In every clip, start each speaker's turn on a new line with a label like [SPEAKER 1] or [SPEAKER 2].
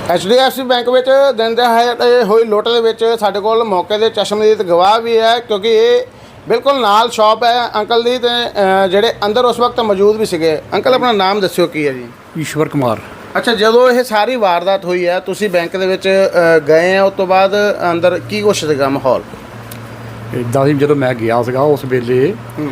[SPEAKER 1] HDFC bank ਵਿੱਚ ਦਿਨ ਦਿਹਾੜੇ ਹੋਈ ਲੁੱਟ ਦੇ ਵਿੱਚ ਸਾਡੇ ਕੋਲ ਮੌਕੇ ਦੇ ਚਸ਼ਮਦੀਦ ਗਵਾਹ ਵੀ ਹੈ, ਕਿਉਂਕਿ ਇਹ ਬਿਲਕੁਲ ਨਾਲ ਸ਼ਾਪ ਹੈ ਅੰਕਲ ਦੀ ਤੇ ਜਿਹੜੇ ਅੰਦਰ ਉਸ ਵਕਤ ਮੌਜੂਦ ਵੀ ਸੀਗੇ। ਅੰਕਲ ਆਪਣਾ ਨਾਮ ਦੱਸਿਓ ਕੀ ਹੈ ਜੀ?
[SPEAKER 2] ਈਸ਼ਵਰ ਕੁਮਾਰ।
[SPEAKER 1] ਅੱਛਾ, ਜਦੋਂ ਇਹ ਸਾਰੀ ਵਾਰਦਾਤ ਹੋਈ ਹੈ ਤੁਸੀਂ ਬੈਂਕ ਦੇ ਵਿੱਚ ਗਏ ਆ, ਉਸ ਤੋਂ ਬਾਅਦ ਅੰਦਰ ਕੀ ਕੁਛ ਸੀਗਾ ਮਾਹੌਲ?
[SPEAKER 2] ਇੱਦਾਂ ਸੀ ਜਦੋਂ ਮੈਂ ਗਿਆ ਸੀਗਾ ਉਸ ਵੇਲੇ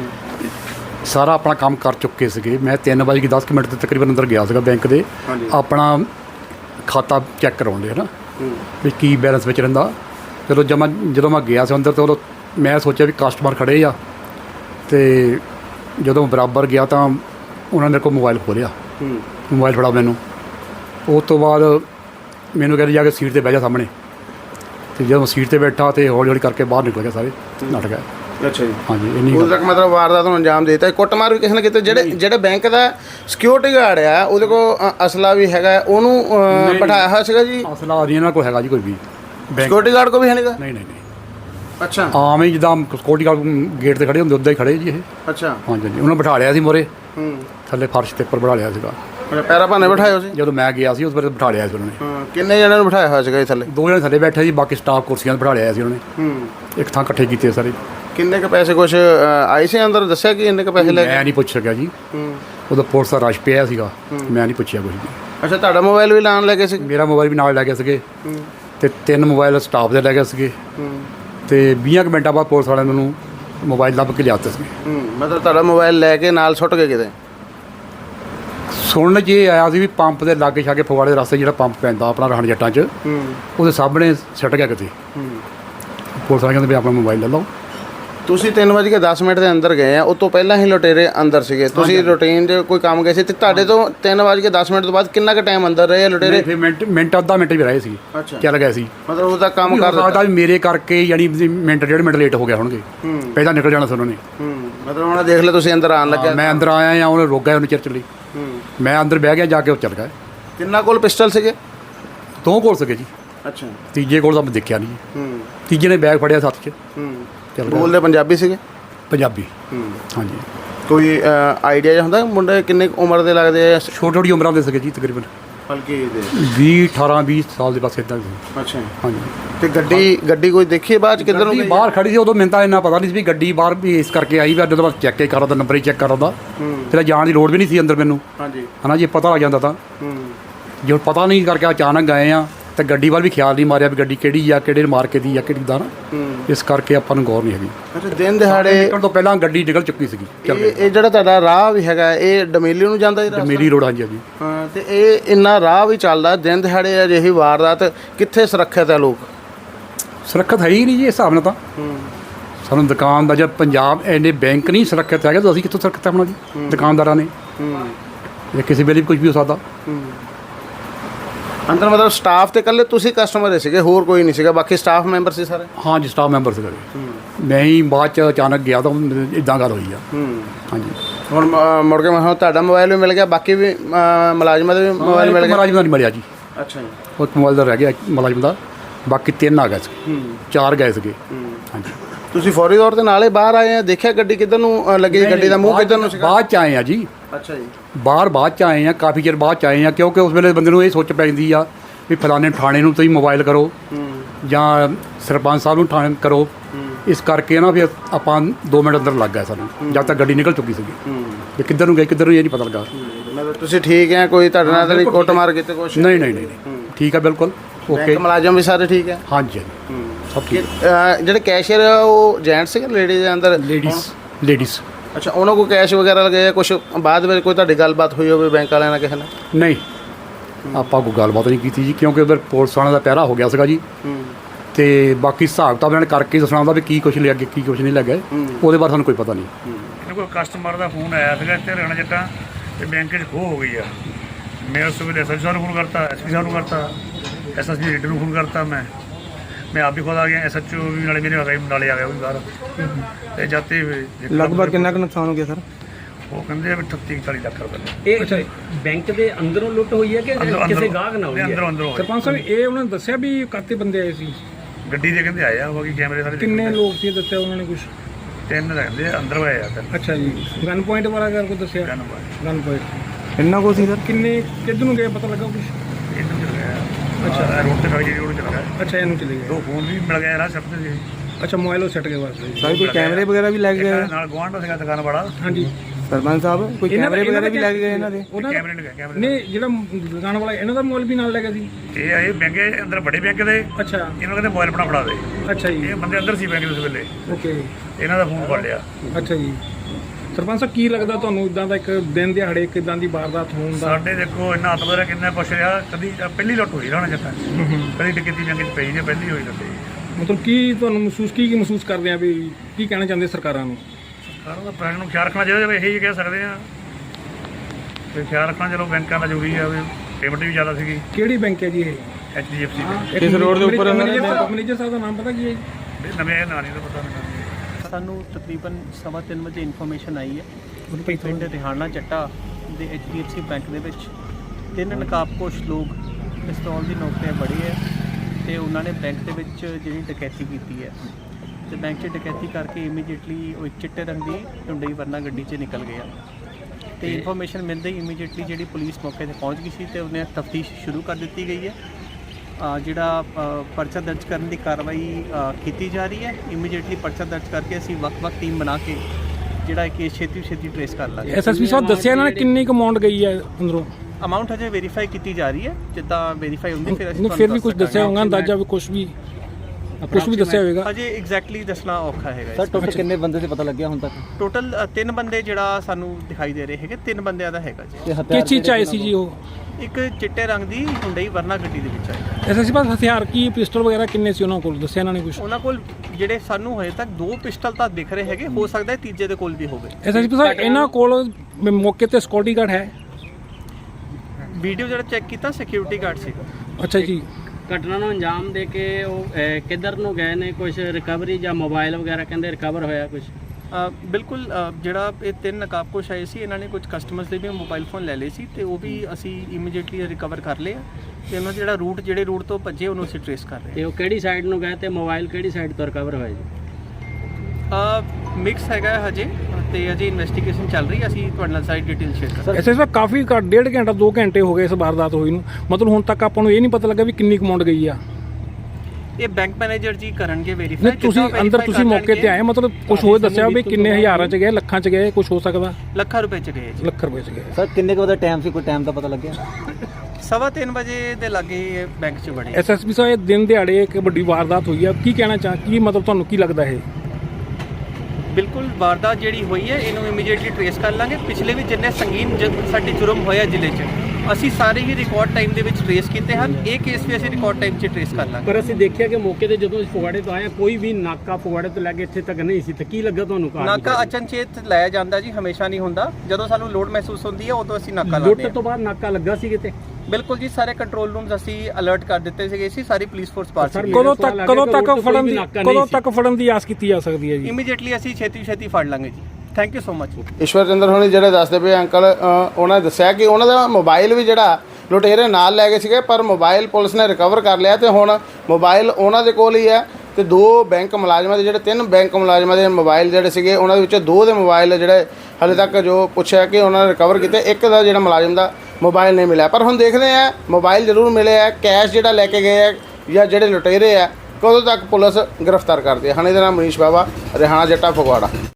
[SPEAKER 2] ਸਾਰਾ ਆਪਣਾ ਕੰਮ ਕਰ ਚੁੱਕੇ ਸੀਗੇ। ਮੈਂ 3:10 ਤੇ ਤਕਰੀਬਨ ਅੰਦਰ ਗਿਆ ਸੀਗਾ ਬੈਂਕ ਦੇ ਆਪਣਾ ਖਾਤਾ ਚੈੱਕ ਕਰਾਉਣ ਲਈ, ਹੈ ਨਾ, ਵੀ ਕੀ ਬੈਲੈਂਸ ਵਿੱਚ ਰਹਿੰਦਾ। ਜਦੋਂ ਮੈਂ ਗਿਆ ਸੀ ਅੰਦਰ ਤਾਂ ਉਦੋਂ ਮੈਂ ਸੋਚਿਆ ਵੀ ਕਸਟਮਰ ਖੜ੍ਹੇ ਆ, ਅਤੇ ਜਦੋਂ ਬਰਾਬਰ ਗਿਆ ਤਾਂ ਉਹਨਾਂ ਨੇ ਮੇਰੇ ਕੋਲ ਮੋਬਾਈਲ ਖੋਲ੍ਹਿਆ। ਮੋਬਾਈਲ ਫੜਾ ਮੈਨੂੰ, ਉਸ ਤੋਂ ਬਾਅਦ ਮੈਨੂੰ ਕਹਿੰਦੇ ਜਾ ਕੇ ਸੀਟ 'ਤੇ ਬਹਿ ਜਾ ਸਾਹਮਣੇ, ਅਤੇ ਜਦੋਂ ਮੈਂ ਸੀਟ 'ਤੇ ਬੈਠਾ ਤਾਂ ਹੌਲੀ ਹੌਲੀ ਕਰਕੇ ਬਾਹਰ ਨਿਕਲ ਗਿਆ, ਸਾਰੇ ਨੱਠ ਗਏ।
[SPEAKER 1] ਅੱਛਾ ਜੀ,
[SPEAKER 2] ਹਾਂਜੀ। ਇੰਨੀ
[SPEAKER 1] ਉਦੋਂ ਤੱਕ ਮਤਲਬ ਵਾਰਦਾਤ ਨੂੰ ਅੰਜਾਮ ਦੇ ਦਿੱਤਾ। ਕੁੱਟਮਾਰ ਵੀ ਕਿਸੇ ਨੇ ਕੀਤੇ? ਜਿਹੜੇ ਬੈਂਕ ਦਾ ਸਿਕਿਉਰਿਟੀ ਗਾਰਡ ਆ ਉਹਦੇ ਕੋਲ ਅਸਲਾ ਵੀ ਹੈਗਾ, ਉਹਨੂੰ ਬਿਠਾਇਆ ਹੋਇਆ ਸੀਗਾ ਜੀ?
[SPEAKER 2] ਅਸਲਾ ਨਹੀਂ ਇਹਨਾਂ ਕੋਲ ਹੈਗਾ ਜੀ ਕੋਈ ਵੀ।
[SPEAKER 1] ਸਿਕਿਉਰਿਟੀ ਗਾਰਡ ਕੋਲ ਵੀ ਹੈ ਨਹੀਂਗਾ?
[SPEAKER 2] ਨਹੀਂ।
[SPEAKER 1] ਅੱਛਾ,
[SPEAKER 2] ਆਮ ਹੀ ਜਿੱਦਾਂ ਸਿਕਿਉਰਿਟੀ ਗਾਰਡ ਗੇਟ 'ਤੇ ਖੜ੍ਹੇ ਹੁੰਦੇ ਉੱਦਾਂ ਹੀ ਖੜ੍ਹੇ ਜੀ ਇਹ।
[SPEAKER 1] ਅੱਛਾ,
[SPEAKER 2] ਹਾਂਜੀ। ਉਹਨਾਂ ਬਿਠਾ ਲਿਆ ਸੀ ਮੋਰੇ, ਥੱਲੇ ਫਰਸ਼ 'ਤੇ ਉੱਪਰ ਬਿਠਾ ਲਿਆ ਸੀਗਾ।
[SPEAKER 1] ਪੈਰਾਂ ਭਾਨੇ ਬਿਠਾਏ ਸੀ?
[SPEAKER 2] ਜਦੋਂ ਮੈਂ ਗਿਆ ਸੀ ਉਸ ਵੇਲੇ ਬਿਠਾ ਲਿਆ ਸੀ ਉਹਨਾਂ ਨੇ।
[SPEAKER 1] ਕਿੰਨੇ ਜਣਿਆਂ ਨੂੰ ਬਿਠਾਇਆ ਹੋਇਆ ਸੀਗਾ ਜੀ ਥੱਲੇ?
[SPEAKER 2] 2 ਜਣੇ ਥੱਲੇ ਬੈਠੇ ਸੀ, ਬਾਕੀ ਸਟਾਫ ਕੁਰਸੀਆਂ 'ਤੇ ਬਿਠਾ ਲਿਆ ਸੀ ਉਹਨਾਂ ਨੇ। ਇੱਕ ਥਾਂ ਇਕੱਠੇ ਕੀਤੇ ਸਾਰੇ।
[SPEAKER 1] ਕਿੰਨੇ ਕੁ ਪੈਸੇ ਕੁਛ ਆਏ ਸੀ ਅੰਦਰ? ਦੱਸਿਆ ਕਿ ਇੰਨੇ ਕੁ ਪੈਸੇ ਲੈ?
[SPEAKER 2] ਮੈਂ ਨਹੀਂ ਪੁੱਛ ਸਕਿਆ ਜੀ, ਉਦੋਂ ਪੁਲਿਸ ਦਾ ਰਸ਼ ਪਿਆ ਸੀਗਾ, ਮੈਂ ਨਹੀਂ ਪੁੱਛਿਆ ਕੁਝ ਵੀ।
[SPEAKER 1] ਅੱਛਾ, ਤੁਹਾਡਾ ਮੋਬਾਈਲ ਵੀ ਲਾਣ ਲੈ ਗਏ ਸੀ?
[SPEAKER 2] ਮੇਰਾ ਮੋਬਾਈਲ ਵੀ ਨਾਲ ਲੈ ਗਏ ਸੀਗੇ, ਅਤੇ 3 ਮੋਬਾਈਲ ਸਟਾਫ ਦੇ ਲੈ ਗਏ ਸੀਗੇ, ਅਤੇ 20 ਕੁ ਮਿੰਟਾਂ ਬਾਅਦ ਪੁਲਿਸ ਵਾਲਿਆਂ ਨੇ ਮੈਨੂੰ ਮੋਬਾਈਲ ਲੱਭ ਕੇ ਲਿਆਤੇ ਸੀਗੇ।
[SPEAKER 1] ਮਤਲਬ ਤੁਹਾਡਾ ਮੋਬਾਈਲ ਲੈ ਕੇ ਨਾਲ ਸੁੱਟ ਕੇ ਕਿਤੇ?
[SPEAKER 2] ਸੁਣਨ 'ਚ ਇਹ ਆਇਆ ਸੀ ਵੀ ਪੰਪ ਦੇ ਲਾਗੇ ਛਾਗੇ ਫਗਵਾੜੇ ਦੇ ਰਸਤੇ ਜਿਹੜਾ ਪੰਪ ਪੈਂਦਾ ਆਪਣਾ ਰਾਹਣ ਜੱਟਾਂ 'ਚ, ਉਹਦੇ ਸਾਹਮਣੇ ਸਿੱਟ ਗਿਆ ਕਿਤੇ। ਪੁਲਿਸ ਵਾਲੇ ਕਹਿੰਦੇ ਵੀ ਆਪਣਾ ਮੋਬਾਈਲ ਲੈ ਲਓ।
[SPEAKER 1] ਤੁਸੀਂ 3:10 ਦੇ ਅੰਦਰ ਗਏ ਆ, ਉਸ ਤੋਂ ਪਹਿਲਾਂ ਹੀ ਲੁਟੇਰੇ ਅੰਦਰ ਸੀਗੇ? ਤੁਸੀਂ ਰੂਟੀਨ 'ਚ ਕੋਈ ਕੰਮ ਗਏ ਸੀ ਤੇ ਤੁਹਾਡੇ ਤੋਂ 3:10 ਤੋਂ ਬਾਅਦ ਕਿੰਨਾ ਕੁ ਟਾਈਮ ਅੰਦਰ ਰਹੇ ਲੁਟੇਰੇ?
[SPEAKER 2] ਮਿੰਟ ਅੱਧਾ ਮਿੰਟ ਵੀ ਰਹੇ ਸੀ, ਚੱਲ ਗਏ ਸੀ।
[SPEAKER 1] ਮਤਲਬ ਉਹਦਾ ਕੰਮ ਕਰ
[SPEAKER 2] ਸਕਦਾ ਵੀ ਮੇਰੇ ਕਰਕੇ ਯਾਨੀ ਮਿੰਟ 1.5 ਲੇਟ ਹੋ ਗਿਆ ਹੋਣਗੇ, ਪਹਿਲਾਂ ਨਿਕਲ ਜਾਣਾ ਸੀ ਉਹਨਾਂ ਨੇ।
[SPEAKER 1] ਮਤਲਬ ਹੁਣ ਦੇਖ ਲਓ ਤੁਸੀਂ ਅੰਦਰ ਆਉਣ ਲੱਗਿਆ।
[SPEAKER 2] ਮੈਂ ਅੰਦਰ ਆਇਆ ਜਾਂ ਉਹਨੇ ਰੋਕ ਗਿਆ, ਉਹਨੂੰ ਚਿਰ ਚੱਲੀ। ਮੈਂ ਅੰਦਰ ਬਹਿ ਗਿਆ, ਜਾ ਕੇ ਉਹ ਚੱਲ ਗਿਆ।
[SPEAKER 1] ਕਿੰਨਾ ਕੋਲ ਪਿਸਟਲ ਸੀਗੇ?
[SPEAKER 2] 2 ਕੋਲ ਸੀਗੇ ਜੀ।
[SPEAKER 1] ਅੱਛਾ,
[SPEAKER 2] ਤੀਜੇ ਕੋਲ ਤਾਂ ਮੈਂ ਦੇਖਿਆ ਨਹੀਂ। ਤੀਜੇ ਨੇ ਬੈਗ ਫੜਿਆ ਹੱਥ 'ਚ।
[SPEAKER 1] ਬੋਲਦੇ ਪੰਜਾਬੀ ਸੀਗੇ?
[SPEAKER 2] ਪੰਜਾਬੀ। ਹਾਂਜੀ।
[SPEAKER 1] ਕੋਈ ਆਈਡੀਆ ਜਿਹਾ ਹੁੰਦਾ ਮੁੰਡੇ ਕਿੰਨੇ ਉਮਰ ਦੇ ਲੱਗਦੇ ਆ?
[SPEAKER 2] ਛੋਟੀ ਉਮਰਾਂ ਦੇ ਸੀਗੇ ਜੀ, ਤਕਰੀਬਨ
[SPEAKER 1] ਹਲਕੀ ਦੇ
[SPEAKER 2] 18-20 ਸਾਲ ਦੇ ਪਾਸੇ ਇੱਦਾਂ ਸੀ।
[SPEAKER 1] ਅੱਛਾ।
[SPEAKER 2] ਹਾਂਜੀ।
[SPEAKER 1] ਤੇ ਗੱਡੀ ਕੋਈ ਦੇਖੀ ਬਾਅਦ 'ਚ ਕਿੱਧਰ ਨੂੰ ਗਈ?
[SPEAKER 2] ਬਾਹਰ ਖੜੀ ਸੀ, ਉਦੋਂ ਮੈਨੂੰ ਤਾਂ ਇੰਨਾ ਪਤਾ ਨਹੀਂ ਸੀ ਵੀ ਗੱਡੀ ਬਾਹਰ ਵੀ ਇਸ ਕਰਕੇ ਆਈ ਵੀ ਜਦੋਂ ਮੈਂ ਚੈੱਕ ਹੀ ਕਰਦਾ, ਨੰਬਰ ਹੀ ਚੈੱਕ ਕਰਦਾ, ਫਿਰ ਜਾਣ ਦੀ ਲੋੜ ਵੀ ਨਹੀਂ ਸੀ ਅੰਦਰ ਮੈਨੂੰ।
[SPEAKER 1] ਹਾਂਜੀ।
[SPEAKER 2] ਹੈ ਨਾ, ਜੇ ਪਤਾ ਲੱਗ ਜਾਂਦਾ ਤਾਂ। ਜੇ ਹੁਣ ਪਤਾ ਨਹੀਂ ਕਰਕੇ ਅਚਾਨਕ ਗਏ ਆ ਤਾਂ ਗੱਡੀ ਵੱਲ ਵੀ ਖਿਆਲ ਨਹੀਂ ਮਾਰਿਆ ਵੀ ਗੱਡੀ ਕਿਹੜੀ ਆ, ਕਿਹੜੇ ਮਾਰਕੇ ਦੀ ਆ, ਕਿਹੜੀ ਦਾ ਨਾ, ਇਸ ਕਰਕੇ ਆਪਾਂ ਨੂੰ ਗੌਰ ਨਹੀਂ ਹੈਗੀ।
[SPEAKER 1] ਅੱਛਾ, ਦਿਨ ਦਿਹਾੜੇ
[SPEAKER 2] ਨਿਕਲਣ ਤੋਂ ਪਹਿਲਾਂ ਗੱਡੀ ਨਿਕਲ ਚੁੱਕੀ ਸੀਗੀ।
[SPEAKER 1] ਇਹ ਜਿਹੜਾ ਤੁਹਾਡਾ ਰਾਹ ਵੀ ਹੈਗਾ ਇਹ ਡਮੇਲੀ ਨੂੰ ਜਾਂਦਾ ਹੀ?
[SPEAKER 2] ਡਮੇਲੀ ਰੋਡ। ਹਾਂਜੀ ਹਾਂਜੀ।
[SPEAKER 1] ਹਾਂ, ਤੇ ਇਹ ਇੰਨਾ ਰਾਹ ਵੀ ਚੱਲਦਾ ਦਿਨ ਦਿਹਾੜੇ ਅਜਿਹੀ ਵਾਰਦਾਤ, ਕਿੱਥੇ ਸੁਰੱਖਿਅਤ ਹੈ ਲੋਕ? ਸੁਰੱਖਿਅਤ
[SPEAKER 2] ਹੈ ਹੀ ਨਹੀਂ ਜੀ ਇਸ ਹਿਸਾਬ ਨਾਲ ਤਾਂ। ਸਾਨੂੰ ਦੁਕਾਨ ਦਾ ਜਦ ਪੰਜਾਬ ਇੰਨੇ ਬੈਂਕ ਨਹੀਂ ਸੁਰੱਖਿਅਤ ਹੈਗਾ ਤਾਂ ਅਸੀਂ ਕਿੱਥੋਂ ਸੁਰੱਖਿਅਤ ਹੋਣਾ ਜੀ? ਦੁਕਾਨਦਾਰਾਂ ਨੇ ਇਹ ਕਿਸੇ ਵੇਲੇ ਵੀ ਕੁਝ ਵੀ ਹੋ ਸਕਦਾ।
[SPEAKER 1] ਅੰਦਰ ਮਤਲਬ ਸਟਾਫ ਤੇ ਇਕੱਲੇ ਤੁਸੀਂ ਕਸਟਮਰ ਸੀਗੇ, ਹੋਰ ਕੋਈ ਨਹੀਂ ਸੀਗਾ? ਬਾਕੀ ਸਟਾਫ ਮੈਂਬਰ ਸੀ ਸਾਰੇ?
[SPEAKER 2] ਹਾਂਜੀ, ਸਟਾਫ ਮੈਂਬਰ ਸੀਗੇ। ਮੈਂ ਹੀ ਬਾਅਦ 'ਚ ਅਚਾਨਕ ਗਿਆ ਤਾਂ ਇੱਦਾਂ ਗੱਲ ਹੋਈ ਆ। ਹਾਂਜੀ। ਹੁਣ
[SPEAKER 1] ਮੁੜ ਕੇ ਮੈਂ ਤੁਹਾਡਾ ਮੋਬਾਈਲ ਵੀ ਮਿਲ ਗਿਆ, ਬਾਕੀ ਵੀ ਮੁਲਾਜ਼ਮਾਂ ਦੇ ਵੀ ਮੋਬਾਈਲ ਮਿਲ ਗਿਆ?
[SPEAKER 2] ਮੁਲਾਜ਼ਮਾਂ ਦਾ ਨਹੀਂ ਮਿਲਿਆ ਜੀ।
[SPEAKER 1] ਅੱਛਾ ਜੀ।
[SPEAKER 2] ਉਹ ਮੋਬਾਈਲ ਦਾ ਰਹਿ ਗਿਆ ਮੁਲਾਜ਼ਮ ਦਾ, ਬਾਕੀ 3 ਆ ਗਏ ਸੀ, 4 ਗਏ ਸੀਗੇ। ਹਾਂਜੀ।
[SPEAKER 1] ਤੁਸੀਂ ਫੌਰੀ ਤੌਰ 'ਤੇ ਨਾਲੇ ਬਾਹਰ ਆਏ ਆ, ਦੇਖਿਆ ਗੱਡੀ ਕਿੱਧਰ ਨੂੰ ਲੱਗੀ? ਗੱਡੀ ਦਾ ਮੂੰਹ ਕਿੱਧਰ ਨੂੰ ਸੀਗਾ?
[SPEAKER 2] ਬਾਅਦ 'ਚ ਆਏ ਆ ਜੀ।
[SPEAKER 1] ਅੱਛਾ ਜੀ।
[SPEAKER 2] ਬਾਅਦ 'ਚ ਆਏ ਆ, ਕਾਫੀ ਚਿਰ ਬਾਅਦ 'ਚ ਆਏ ਆ, ਕਿਉਂਕਿ ਉਸ ਵੇਲੇ ਬੰਦੇ ਨੂੰ ਇਹ ਸੋਚ ਪੈ ਜਾਂਦੀ ਆ ਵੀ ਫਲਾਣੇ ਥਾਣੇ ਨੂੰ ਤੁਸੀਂ ਮੋਬਾਈਲ ਕਰੋ ਜਾਂ ਸਰਪੰਚ ਸਾਹਿਬ ਨੂੰ ਥਾਣੇ ਕਰੋ। ਇਸ ਕਰਕੇ ਨਾ ਫਿਰ ਆਪਾਂ 2 ਮਿੰਟ ਅੰਦਰ ਲੱਗ ਗਏ ਸਾਨੂੰ, ਜਦ ਤੱਕ ਗੱਡੀ ਨਿਕਲ ਚੁੱਕੀ ਸੀਗੀ। ਵੀ ਕਿੱਧਰ ਨੂੰ ਗਏ ਕਿੱਧਰ ਨੂੰ ਇਹ ਨਹੀਂ ਪਤਾ ਲੱਗਾ।
[SPEAKER 1] ਮਤਲਬ ਤੁਸੀਂ ਠੀਕ ਹੈ? ਕੋਈ ਤੁਹਾਡੇ ਨਾਲ ਤਾਂ ਨਹੀਂ ਕੁੱਟ ਮਾਰ ਕੀਤੀ ਕੁਛ?
[SPEAKER 2] ਨਹੀਂ। ਠੀਕ ਆ, ਬਿਲਕੁਲ ਓਕੇ।
[SPEAKER 1] ਮੁਲਾਜ਼ਮ ਵੀ ਸਾਰੇ ਠੀਕ ਹੈ?
[SPEAKER 2] ਹਾਂਜੀ ਸਭ ਠੀਕ।
[SPEAKER 1] ਜਿਹੜੇ ਕੈਸ਼ੀਅਰ ਉਹ ਜੈਂਟਸ ਸੀਗੇ ਲੇਡੀਜ਼ ਦੇ ਅੰਦਰ?
[SPEAKER 2] ਲੇਡੀਜ਼।
[SPEAKER 1] ਅੱਛਾ, ਉਹਨਾਂ ਕੋਲ ਕੈਸ਼ ਵਗੈਰਾ ਲਗਾਇਆ ਕੁਛ? ਬਾਅਦ ਵਿੱਚ ਕੋਈ ਤੁਹਾਡੀ ਗੱਲਬਾਤ ਹੋਈ ਹੋਵੇ ਬੈਂਕ ਵਾਲਿਆਂ ਨਾਲ ਕਿਸੇ ਨਾਲ?
[SPEAKER 2] ਨਹੀਂ, ਆਪਾਂ ਕੋਈ ਗੱਲਬਾਤ ਨਹੀਂ ਕੀਤੀ ਜੀ, ਕਿਉਂਕਿ ਉਧਰ ਪੁਲਿਸ ਵਾਲਿਆਂ ਦਾ ਪਹਿਰਾ ਹੋ ਗਿਆ ਸੀਗਾ ਜੀ। ਤੇ ਬਾਕੀ ਹਿਸਾਬ ਕਿਤਾਬ ਇਹਨਾਂ ਨੇ ਕਰਕੇ ਦੱਸਣਾ ਹੁੰਦਾ ਵੀ ਕੀ ਕੁਛ ਲੈ ਗਏ ਕੀ ਕੁਛ ਨਹੀਂ ਲੈ ਗਏ, ਉਹਦੇ ਬਾਰੇ ਸਾਨੂੰ ਕੋਈ ਪਤਾ ਨਹੀਂ।
[SPEAKER 3] ਇਹਨੂੰ ਕੋਈ ਕਸਟਮਰ ਦਾ ਫੋਨ ਆਇਆ ਸੀਗਾ ਇੱਥੇ ਰਾਣਾ ਜੱਟਾਂ ਤੇ ਬੈਂਕ 'ਚ ਖੋਹ ਹੋ ਗਈ ਆ। ਮੈਂ ਉਸ ਵੇਲੇ ਐਸਐਸਪੀ ਸਾਹਿਬ ਨੂੰ ਫੋਨ ਕਰਤਾ, ਐਸਪੀ ਸਾਹਿਬ ਨੂੰ ਕਰਤਾ, ਐਸਐਸਪੀ ਰੀਡਰ ਨੂੰ ਫੋਨ ਕਰਤਾ। ਮੈਂ ਆਪ ਵੀ ਖੁਦ ਆ ਗਿਆ, ਐਸਐਚਓ ਵੀ ਨਾਲੇ ਮੇਰੇ ਨਾਲੇ ਆ ਗਿਆ ਉਹ ਵੀ ਬਾਹਰ। ਤੇ ਜਾਤੇ
[SPEAKER 1] ਲਗਭਗ ਕਿੰਨਾ ਕੁ ਨੁਕਸਾਨ ਹੋ ਗਿਆ ਸਰ?
[SPEAKER 3] ਉਹ ਕਹਿੰਦੇ ਆ ਵੀ 38-40 ਲੱਖ ਰੁਪਏ।
[SPEAKER 4] ਇਹ ਅੱਛਾ ਬੈਂਕ ਦੇ ਅੰਦਰੋਂ ਲੁੱਟ ਹੋਈ ਹੈ ਕਿ ਕਿਸੇ ਗਾਹਕ ਨਾਲ ਹੋਈ ਹੈ?
[SPEAKER 3] ਅੰਦਰੋਂ।
[SPEAKER 5] ਸਰਪੰਚ ਸਾਹਿਬ ਇਹ ਉਹਨਾਂ ਨੇ ਦੱਸਿਆ ਵੀ ਕਾਤੇ ਬੰਦੇ ਆਏ ਸੀ?
[SPEAKER 3] ਗੱਡੀ ਦੇ ਕਹਿੰਦੇ ਆਏ ਆ, ਬਾਕੀ ਕੈਮਰੇ ਸਾਰੇ।
[SPEAKER 5] ਕਿੰਨੇ ਲੋਕ ਸੀ ਦੱਸਿਆ ਉਹਨਾਂ ਨੇ ਕੁਝ?
[SPEAKER 3] 3 ਰਹਿੰਦੇ ਅੰਦਰ ਆਏ ਆ।
[SPEAKER 5] ਅੱਛਾ ਜੀ। ਗਨ ਪੁਆਇੰਟ ਵਾਲਾ ਗੱਲ ਕੋਈ ਦੱਸਿਆ? ਗਨ ਪੁਆਇੰਟ
[SPEAKER 1] ਇੰਨਾ ਕੁ ਸੀ ਸਰ?
[SPEAKER 5] ਕਿੰਨੇ ਕਿੱਧਰ ਨੂੰ ਗਏ ਪਤਾ ਲੱਗਾ ਕੁਝ? ਅੱਛਾ।
[SPEAKER 3] ਰੋਡ ਤੇ ਖੜੀ ਰੋਡ ਚਲਾ ਗਿਆ।
[SPEAKER 5] ਅੱਛਾ ਇਹਨੂੰ ਚਲੇ ਗਏ।
[SPEAKER 3] 2 ਫੋਨ ਵੀ ਮਿਲ ਗਏ ਰਾਹ ਸੱਟ ਤੇ ਸੀ।
[SPEAKER 5] ਅੱਛਾ ਮੋਬਾਈਲ ਉਹ ਸੱਟ ਕੇ ਵਾਸਤੇ ਜੀ।
[SPEAKER 6] ਕੋਈ ਕੈਮਰੇ ਵਗੈਰਾ ਵੀ ਲੱਗ ਗਏ?
[SPEAKER 3] ਨਾਲ ਗੁਆਂਢ ਦਾ ਸੀਗਾ ਦੁਕਾਨ ਵਾਲਾ।
[SPEAKER 5] ਹਾਂਜੀ
[SPEAKER 6] ਸਰਪੰਚ ਸਾਹਿਬ ਕੋਈ ਕੈਮਰੇ ਵਗੈਰਾ ਵੀ ਲੱਗ ਗਏ ਇਹਨਾਂ ਦੇ?
[SPEAKER 3] ਕੈਮਰੇ ਨਹੀਂ ਕੈਮਰੇ
[SPEAKER 5] ਨਹੀਂ ਜਿਹੜਾ ਦੁਕਾਨ ਵਾਲਾ ਇਹਨਾਂ ਦਾ ਮੋਬਾਈਲ ਵੀ ਨਾਲ ਲੈ ਗਿਆ ਸੀ?
[SPEAKER 3] ਇਹ ਆਏ ਬੈਂਕ ਅੰਦਰ ਵੱਡੇ ਬੈਂਕ ਦੇ।
[SPEAKER 5] ਅੱਛਾ
[SPEAKER 3] ਇਹਨਾਂ ਕਹਿੰਦੇ ਮੋਬਾਈਲ ਆਪਣਾ ਫੜਾ ਦੇ।
[SPEAKER 5] ਅੱਛਾ ਜੀ।
[SPEAKER 3] ਇਹ ਬੰਦੇ ਅੰਦਰ ਸੀ ਬੈਂਕ ਦੇ ਉਸ ਵੇਲੇ।
[SPEAKER 5] ਓਕੇ
[SPEAKER 3] ਇਹਨਾਂ ਦਾ ਫੋਨ ਫੜ ਲਿਆ।
[SPEAKER 5] ਅੱਛਾ ਜੀ। ਸਰਪੰਚ ਸਾਹਿਬ ਕੀ ਲੱਗਦਾ ਤੁਹਾਨੂੰ ਇਦਾਂ ਦਾ ਇੱਕ ਦਿਨ ਦਿਹਾੜੇ ਇੱਕ ਇਦਾਂ ਦੀ ਵਾਰਦਾਤ ਹੋਣ ਦਾ?
[SPEAKER 3] ਸਾਡੇ ਦੇਖੋ ਇੰਨਾ ਆਤਮਾ ਕਿੰਨਾ ਕੁਛ ਰਿਹਾ। ਕਦੀ ਪਹਿਲੀ ਲੁੱਟ ਹੋਈ ਰਾਣਾ ਜੱਟਾਂ ਕਦੀ ਡਕੈਤੀ ਬੈਂਕ 'ਚ ਪਈ ਜੇ ਪਹਿਲੀ ਹੋਈ ਲੱਗੀ।
[SPEAKER 5] ਮਤਲਬ ਕੀ ਤੁਹਾਨੂੰ ਮਹਿਸੂਸ ਕਰਦੇ ਆ ਵੀ ਕੀ ਕਹਿਣਾ ਚਾਹੁੰਦੇ ਸਰਕਾਰਾਂ ਨੂੰ?
[SPEAKER 3] ਸਾਰਾ ਦਾ ਪੈਣ ਨੂੰ ਖਿਆਲ ਰੱਖਣਾ ਚਾਹੀਦਾ। ਇਹੀ ਹੀ ਕਹਿ ਸਕਦੇ ਆ ਤੇ ਖਿਆਲ ਰੱਖਣਾ। ਚਲੋ ਬੈਂਕਾਂ ਦਾ ਜ਼ਰੂਰੀ ਆ ਵੀ ਪੇਮੈਂਟ ਵੀ ਜ਼ਿਆਦਾ ਸੀਗੀ।
[SPEAKER 5] ਕਿਹੜੀ ਬੈਂਕ ਹੈ ਜੀ ਇਹ?
[SPEAKER 3] HDFC
[SPEAKER 6] ਕਿਸ ਰੋਡ ਦੇ ਉੱਪਰ
[SPEAKER 5] ਮੈਨੇਜਰ ਸਾਹਿਬ ਦਾ ਨਾਮ ਪਤਾ ਕੀ ਹੈ ਜੀ?
[SPEAKER 3] ਦੇ ਨਵੇਂ ਨਾਂ ਨਹੀਂ ਤਾਂ ਪਤਾ ਮੈਨੂੰ।
[SPEAKER 7] ਸਾਨੂੰ ਤਕਰੀਬਨ 3:30 ਵਜੇ ਇਨਫੋਰਮੇਸ਼ਨ ਆਈ ਹੈ ਪਿੰਡ ਰਿਹਾਨਾ ਚੱਟਾ ਦੇ HDFC ਬੈਂਕ ਦੇ ਵਿੱਚ 3 ਨਕਾਬਪੋਸ਼ ਲੋਕ ਪਿਸਤੌਲ ਦੀ ਨੋਕ ਤੇ ਬੜੇ ਹੈ ਤੇ ਉਹਨਾਂ ਨੇ ਬੈਂਕ ਦੇ ਵਿੱਚ ਜਿਹੜੀ ਡਕੈਤੀ ਕੀਤੀ ਹੈ ਤੇ ਬੈਂਕ 'ਚ ਡਕੈਤੀ ਕਰਕੇ ਇਮੀਡੀਏਟਲੀ ਉਹ ਇੱਕ ਚਿੱਟੇ ਰੰਗ ਦੀ ਢੁੰਡਈ ਵਰਨਾ ਗੱਡੀ 'ਚ ਨਿਕਲ ਗਿਆ ਤੇ ਇਨਫੋਰਮੇਸ਼ਨ ਮਿਲਦੇ ਹੀ ਇਮੀਡੀਏਟਲੀ ਜਿਹੜੀ ਪੁਲਿਸ ਮੌਕੇ ਤੇ ਪਹੁੰਚ ਗਈ ਸੀ ਤੇ ਉਹਨੇ ਤਫਤੀਸ਼ ਸ਼ੁਰੂ ਕਰ ਦਿੱਤੀ ਗਈ ਹੈ। ਜਿਹੜਾ ਪਰਚਾ ਦਰਜ ਕਰਨ ਦੀ ਕਾਰਵਾਈ ਕੀਤੀ ਜਾ ਰਹੀ ਹੈ। ਇਮੀਡੀਏਟਲੀ ਪਰਚਾ ਦਰਜ ਕਰਕੇ ਅਸੀਂ ਵੱਖ-ਵੱਖ ਟੀਮ ਬਣਾ ਕੇ ਜਿਹੜਾ ਇਹ ਕੇਸ ਛੇਤੀ ਟ੍ਰੇਸ ਕਰ ਲਾਂਗੇ।
[SPEAKER 5] ਐਸਐਸਪੀ ਸਾਹਿਬ ਦੱਸਿਆ ਇਹਨਾਂ ਨੇ ਕਿੰਨੀ ਕੁ ਅਮਾਉਂਟ ਗਈ ਹੈ ਅੰਦਰੋਂ?
[SPEAKER 7] ਅਮਾਉਂਟ ਹਜੇ ਵੈਰੀਫਾਈ ਕੀਤੀ ਜਾ ਰਹੀ ਹੈ। ਜਿੱਦਾਂ ਵੈਰੀਫਾਈ ਹੁੰਦੀ ਫਿਰ ਅਸੀਂ
[SPEAKER 5] ਫਿਰ ਵੀ ਕੁਝ ਦੱਸਿਆ ਹੋਊਗਾ ਅੰਦਾਜ਼ਾ ਵੀ ਕੁਝ ਵੀ ਦੱਸਿਆ ਹੋਵੇਗਾ?
[SPEAKER 7] ਹਜੇ ਐਗਜ਼ੈਕਟਲੀ ਦੱਸਣਾ ਔਖਾ ਹੈਗਾ।
[SPEAKER 6] ਸਰ ਟੋਟਲ ਕਿੰਨੇ ਬੰਦੇ ਤੇ ਪਤਾ ਲੱਗਿਆ ਹੁਣ ਤੱਕ?
[SPEAKER 7] ਟੋਟਲ 3 ਬੰਦੇ ਜਿਹੜਾ ਸਾਨੂੰ ਦਿਖਾਈ ਦੇ ਰਹੇ ਹੈਗੇ। 3 ਬੰਦਿਆਂ ਦਾ ਹੈਗਾ ਜੀ।
[SPEAKER 5] ਕਿਸ ਚੀਜ਼ ਚ ਆਏ ਸੀ ਜੀ ਉਹ?
[SPEAKER 7] ਇੱਕ ਚਿੱਟੇ ਰੰਗ ਦੀ ਹੁੰਡਈ ਵਰਨਾ ਗੱਡੀ ਦੇ ਵਿੱਚ ਆਈ।
[SPEAKER 5] ਐਸਐਸਪੀ ਸਾਹਿਬ ਹਥਿਆਰ ਕੀ ਪਿਸਟਲ ਵਗੈਰਾ ਕਿੰਨੇ ਸੀ ਉਹਨਾਂ ਕੋਲ? ਦੱਸਿਆ ਇਹਨਾਂ ਨੇ ਕੁਝ?
[SPEAKER 7] ਉਹਨਾਂ ਕੋਲ ਜਿਹੜੇ ਸਾਨੂੰ ਹਜੇ ਤੱਕ 2 ਪਿਸਟਲ ਤਾਂ ਦਿਖ ਰਹੇ ਹੈਗੇ। ਹੋ ਸਕਦਾ ਹੈ ਤੀਜੇ ਦੇ ਕੋਲ ਵੀ ਹੋਵੇ।
[SPEAKER 5] ਐਸਐਸਪੀ ਸਾਹਿਬ ਇਹਨਾਂ ਕੋਲ ਮੌਕੇ ਤੇ ਸਿਕਿਉਰਿਟੀ ਗਾਰਡ ਹੈ?
[SPEAKER 7] ਵੀਡੀਓ ਜਿਹੜਾ ਚੈੱਕ ਕੀਤਾ ਸਿਕਿਉਰਿਟੀ ਗਾਰਡ ਸੀਗਾ।
[SPEAKER 5] ਅੱਛਾ ਜੀ।
[SPEAKER 4] ਘਟਨਾ ਨੂੰ ਅੰਜਾਮ ਦੇ ਕੇ ਉਹ ਕਿੱਧਰ ਨੂੰ ਗਏ ਨੇ? ਕੁਝ ਰਿਕਵਰੀ ਜਾਂ ਮੋਬਾਈਲ ਵਗੈਰਾ ਕਹਿੰਦੇ ਰਿਕਵਰ ਹੋਇਆ ਕੁਝ?
[SPEAKER 7] ਬਿਲਕੁਲ ਜਿਹੜਾ ਇਹ 3 ਨਕਾਬਪੋਸ਼ ਆਏ ਸੀ ਇਹਨਾਂ ਨੇ ਕੁਝ ਕਸਟਮਰਸ ਦੇ ਵੀ ਮੋਬਾਈਲ ਫੋਨ ਲੈ ਲਏ ਸੀ ਤੇ ਉਹ ਵੀ ਅਸੀਂ ਇਮੀਡੀਏਟਲੀ ਰਿਕਵਰ ਕਰ ਲਏ ਤੇ ਉਹਨਾਂ ਦਾ ਜਿਹੜੇ ਰੂਟ ਤੋਂ ਭੱਜੇ ਉਹਨੂੰ ਅਸੀਂ ਟ੍ਰੇਸ ਕਰ ਰਹੇ
[SPEAKER 4] ਤੇ ਉਹ ਕਿਹੜੀ ਸਾਈਡ ਨੂੰ ਗਏ ਤੇ ਮੋਬਾਈਲ ਕਿਹੜੀ ਸਾਈਡ ਤੋਂ ਰਿਕਵਰ ਹੋਇਆ ਜੀ?
[SPEAKER 7] ਮਿਕਸ ਹੈਗਾ ਹਜੇ ਤੇ ਅਜੇ ਇਨਵੈਸਟੀਗੇਸ਼ਨ ਚੱਲ ਰਹੀ ਹੈ। ਅਸੀਂ ਤੁਹਾਡੇ ਨਾਲ ਸਾਰੀ ਡਿਟੇਲ ਸ਼ੇਅਰ ਕਰਾਂਗੇ।
[SPEAKER 5] ਐਸਐਸਪੀ ਸਾਹਿਬ ਕਾਫੀ ਘੱਟ 1.5 ਘੰਟਾ 2 ਘੰਟੇ ਹੋ ਗਏ ਇਸ ਵਾਰਦਾਤ ਹੋਈ ਨੂੰ, ਮਤਲਬ ਹੁਣ ਤੱਕ ਆਪਾਂ ਨੂੰ ਇਹ ਨਹੀਂ ਪਤਾ ਲੱਗਾ ਵੀ ਕਿੰਨੀ ਅਮਾਉਂਟ ਗਈ ਆ।
[SPEAKER 7] ਇਹ ਬੈਂਕ ਮੈਨੇਜਰ ਜੀ ਕਰਨਗੇ ਵੈਰੀਫਾਈ।
[SPEAKER 5] ਨਹੀਂ ਤੁਸੀਂ ਅੰਦਰ ਤੁਸੀਂ ਮੌਕੇ ਤੇ ਆਏ, ਮਤਲਬ ਕੁਝ ਹੋਰ ਦੱਸਿਆ ਵੀ ਕਿੰਨੇ ਹਜ਼ਾਰਾਂ ਚ ਗਏ, ਲੱਖਾਂ ਚ ਗਏ, ਕੁਝ ਹੋ ਸਕਦਾ?
[SPEAKER 7] ਲੱਖਾਂ ਰੁਪਏ ਚ ਗਏ ਜੀ।
[SPEAKER 5] ਲੱਖ ਰੁਪਏ ਚ ਗਏ।
[SPEAKER 6] ਸਰ ਕਿੰਨੇ ਕੁ ਵਜੇ ਟਾਈਮ ਸੀ? ਕੋਈ ਟਾਈਮ ਦਾ ਪਤਾ ਲੱਗਿਆ?
[SPEAKER 7] 3:15 ਵਜੇ ਦੇ ਲਾਗੇ ਬੈਂਕ ਚ ਵੜੇ।
[SPEAKER 5] ਐਸਐਸਪੀ ਸਾਹਿਬ ਇਹ ਦਿਨ ਦਿਹਾੜੇ ਇੱਕ ਵੱਡੀ ਵਾਰਦਾਤ ਹੋਈ ਆ, ਕੀ ਕਹਿਣਾ ਕੀ ਮਤਲਬ ਤੁਹਾਨੂੰ ਕੀ ਲੱਗਦਾ ਇਹ?
[SPEAKER 7] ਬਿਲਕੁਲ ਵਾਰਦਾਤ ਜਿਹੜੀ ਹੋਈ ਹੈ ਇਹਨੂੰ ਇਮੀਡੀਏਟਲੀ ਟ੍ਰੇਸ ਕਰ ਲਾਂਗੇ। ਪਿਛਲੇ ਵੀ ਜਿੰਨੇ ਸੰਗੀਨ ਸਾਡੇ ਜੁਰਮ ਹੋਇਆ ਜ਼ਿਲ੍ਹੇ 'ਚ ਅਸੀਂ ਸਾਰੇ ਹੀ ਰਿਕਾਰਡ ਟਾਈਮ ਦੇ ਵਿੱਚ ਟ੍ਰੇਸ ਕੀਤੇ ਹਨ। ਇਹ ਕੇਸ ਵੀ ਅਸੀਂ ਰਿਕਾਰਡ ਟਾਈਮ 'ਚ ਟ੍ਰੇਸ ਕਰ ਲਾਂਗੇ।
[SPEAKER 4] ਪਰ ਅਸੀਂ ਦੇਖਿਆ ਕਿ ਮੌਕੇ ਤੇ ਜਦੋਂ ਅਸੀਂ ਫਗਵਾੜੇ ਤੋਂ ਆਏ ਕੋਈ ਵੀ ਨਾਕਾ ਫਗਵਾੜੇ ਤੋਂ ਲੈ ਕੇ ਇੱਥੇ ਤੱਕ ਨਹੀਂ ਸੀ, ਤੇ ਕੀ ਲੱਗਾ ਤੁਹਾਨੂੰ?
[SPEAKER 7] ਨਾਕਾ ਅਚਨਚੇਤ ਲਾਇਆ ਜਾਂਦਾ ਜੀ, ਹਮੇਸ਼ਾ ਨਹੀਂ ਹੁੰਦਾ। ਜਦੋਂ ਸਾਨੂੰ ਲੋਡ ਮਹਿਸੂਸ ਹੁੰਦੀ ਹੈ ਉਦੋਂ ਅਸੀਂ ਨਾਕਾ ਲਾਉਂਦੇ ਹਾਂ।
[SPEAKER 4] ਲੁੱਟ ਤੋਂ ਬਾਅਦ ਨਾਕਾ ਲੱਗਾ ਸੀ ਕਿਤੇ?
[SPEAKER 7] ਬਿਲਕੁਲ ਜੀ, ਸਾਰੇ ਕੰਟਰੋਲ ਰੂਮਸ ਅਸੀਂ ਅਲਰਟ ਕਰ ਦਿੱਤੇ ਸੀਗੇ ਸੀ। ਸਾਰੀ ਪੁਲਿਸ ਫੋਰਸ ਪਾਸ ਸੀ।
[SPEAKER 5] ਕਦੋਂ ਤੱਕ ਫੜਨ ਦੀ ਆਸ ਕੀਤੀ ਜਾ ਸਕਦੀ ਹੈ ਜੀ?
[SPEAKER 7] ਇਮੀਡੀਏਟਲੀ ਅਸੀਂ ਛੇਤੀ ਫੜ ਲਾਂਗੇ ਜੀ। Thank you so much.
[SPEAKER 1] Ishwar Chander ਹੋਣੀ ਜਿਹੜੇ ਦੱਸਦੇ ਪਏ ਅੰਕਲ, ਉਹਨਾਂ ਨੇ ਦੱਸਿਆ ਕਿ ਉਹਨਾਂ ਦਾ ਮੋਬਾਈਲ ਵੀ ਜਿਹੜਾ ਲੁਟੇਰੇ ਨਾਲ ਲੈ ਗਏ ਸੀਗੇ, ਪਰ ਮੋਬਾਈਲ ਪੁਲਿਸ ਨੇ ਰਿਕਵਰ ਕਰ ਲਿਆ ਤੇ ਹੁਣ ਮੋਬਾਈਲ ਉਹਨਾਂ ਦੇ ਕੋਲ ਹੀ ਹੈ ਤੇ 2 ਬੈਂਕ ਮੁਲਾਜ਼ਮਾਂ ਦੇ ਜਿਹੜੇ 3 ਬੈਂਕ ਮੁਲਾਜ਼ਮਾਂ ਦੇ ਮੋਬਾਈਲ ਜਿਹੜੇ ਸੀਗੇ ਉਹਨਾਂ ਦੇ ਵਿੱਚੋਂ 2 ਦੇ ਮੋਬਾਈਲ ਜਿਹੜੇ ਹਾਲੇ ਤੱਕ ਜੋ ਪੁੱਛਿਆ ਕਿ ਉਹਨਾਂ ਨੇ ਰਿਕਵਰ ਕੀਤੇ। ਇੱਕ ਦਾ ਜਿਹੜਾ ਮੁਲਾਜ਼ਮ ਦਾ ਮੋਬਾਈਲ ਨਹੀਂ ਮਿਲਿਆ, ਪਰ ਹੁਣ ਦੇਖਦੇ ਆ ਮੋਬਾਈਲ ਜ਼ਰੂਰ ਮਿਲੇ ਆ। ਕੈਸ਼ ਜਿਹੜਾ ਲੈ ਕੇ ਗਏ ਆ ਜਾਂ ਜਿਹੜੇ ਲੁਟੇਰੇ ਆ ਕਦੋਂ ਤੱਕ ਪੁਲਿਸ ਗ੍ਰਿਫਤਾਰ ਕਰਦੀ ਹੈ। ਹਨ ਇਹਦਾ ਨਾਮ ਮਨੀਸ਼ ਬਾਵਾ, ਰਿਹਾਨਾ ਜੱਟਾ, ਫਗਵਾੜਾ।